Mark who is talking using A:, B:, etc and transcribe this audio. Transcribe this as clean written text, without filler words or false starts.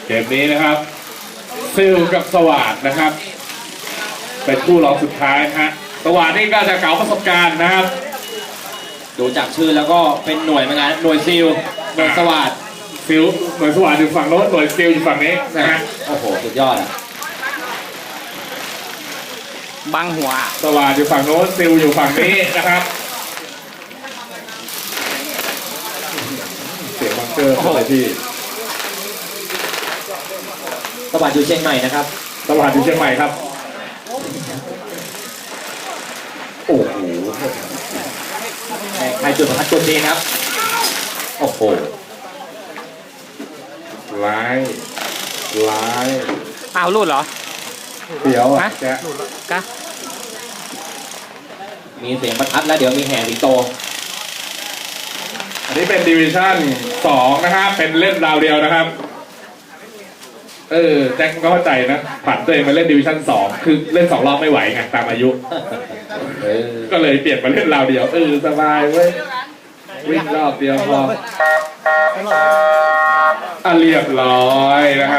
A: เกมนี้นะครับซิลกับสวัสดนะครับเป็นคู่รองสุดท้ายฮะสวัสดนี่ก็จะเก่าประสบการณ์นะครับ
B: ดูจากชื่อแล้วก็เป็นหน่วยเหมือนกันหน่วยซิลหน่วยสวัสด
A: ซิลหน่วยสวัสดอยู่ฝั่งโน้นหน่วยซิลอยู่ฝั่งนี้นะฮะ
B: โอ้โหสุดยอดอ่ะ
C: บังหัว
A: สวัสดอยู่ฝั่งโน้นซิลอยู่ฝั่งนี้นะครับเสียงบังเกอร์อะไรที่
B: สวัสดอยู่เชียงใหม่นะครับ
A: สวัสดอยู่เชียงใหม่ครับโอ้โห
B: ใครจุดประทัดจุดนี้ครับโอ้โห
A: ร้าย
C: อ้าวรูดเหรอ
A: เดี๋ยวอ่ะแก
B: มีเสียงประทัดแล้วเดี๋ยวมีแห่สิงโต
A: อันนี้เป็นดิวิชั่น2นะครับเป็นเล่นราวเดียวนะครับแจ็คก็เข้าใจนะผันตัวเองมาเล่นดิวิชั่น2คือเล่น2รอบไม่ไหวไงตามอายุก็เลยเปลี่ยนมาเล่นราวเดียวสบายเว้ยวิ่งรอบเดียวพอเรียบร้อยนะครับ